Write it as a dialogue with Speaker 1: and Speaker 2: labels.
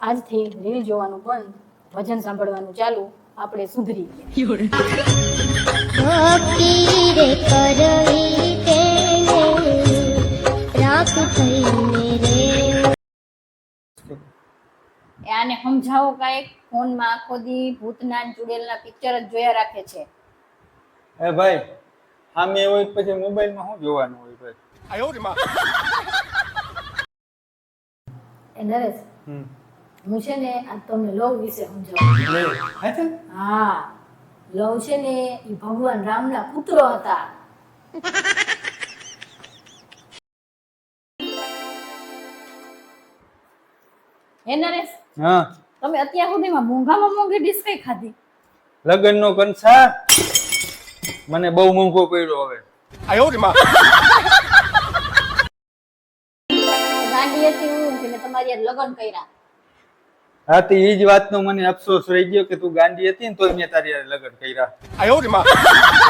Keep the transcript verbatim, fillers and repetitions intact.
Speaker 1: આજથી રીલ જોવાનું બંધ, ભજન સાંભળવાનું ચાલુ, આપણે સુધરી આને સમજાવો કાંઈક. ફોનમાં આખો દી ભૂતના ચુડેલના પિક્ચર જ જોયા રાખે છે.
Speaker 2: એ ભાઈ આમે હોય પછી મોબાઈલમાં શું જોવાનું હોય ભાઈ?
Speaker 1: એ નરેશ,
Speaker 2: હમ
Speaker 1: હું છે ને આ તમને લવ વિશે સમજાવું.
Speaker 2: લે હા છે
Speaker 1: હા, લવ છે ને એ ભગવાન રામના પુત્રો હતા. હે નરેશ,
Speaker 2: હા
Speaker 1: તમે અત્યાર સુધીમાં મોંઘામાં મોંઘી ડીશ કઈ ખાધી?
Speaker 2: લગનનો કંસાર મને બહુ મોંઘો પડ્યો હવે.
Speaker 1: ગાંડી હતી હું કે મેં તમારી યાર લગ્ન કર્યા.
Speaker 2: હા તો એ જ વાતનો મને અફસોસ રહી ગયો કે તું ગાંડી હતી ને તોય મેં તારી હારે લગ્ન કર્યા.